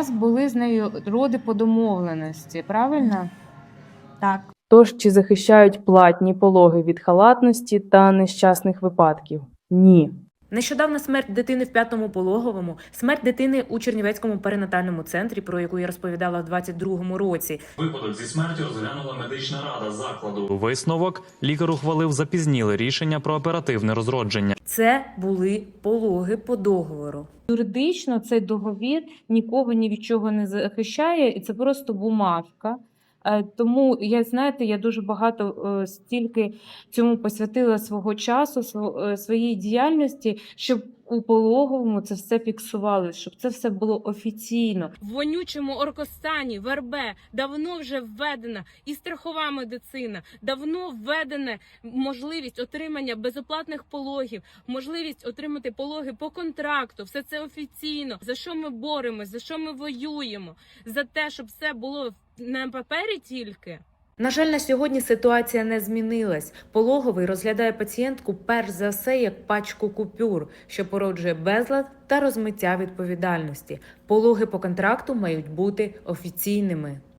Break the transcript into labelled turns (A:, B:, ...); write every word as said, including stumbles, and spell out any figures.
A: вас були з нею роди по домовленості, правильно?
B: Так.
C: Тож, чи захищають платні пологи від халатності та нещасних випадків? Ні.
D: Нещодавна смерть дитини в п'ятому пологовому, смерть дитини у Чернівецькому перинатальному центрі, про яку я розповідала в двадцять другому році.
E: Випадок зі смертю розглянула медична рада закладу.
F: Висновок – лікар ухвалив запізніле рішення про оперативне розродження.
D: Це були пологи по договору.
A: Юридично цей договір нікого ні від чого не захищає, і це просто бумажка. Е, Тому я, знаєте, я дуже багато е, стільки цьому посвятила свого часу, сво- е, своїй діяльності, щоб у пологовому це все фіксували, щоб це все було офіційно.
G: В вонючому Оркостані, в РБ давно вже введена і страхова медицина, давно введена можливість отримання безоплатних пологів, можливість отримати пологи по контракту. Все це офіційно. За що ми боремось, за що ми воюємо? За те, щоб все було на папері тільки.
D: На жаль, на сьогодні ситуація не змінилась. Пологовий розглядає пацієнтку перш за все як пачку купюр, що породжує безлад та розмиття відповідальності. Пологи по контракту мають бути офіційними.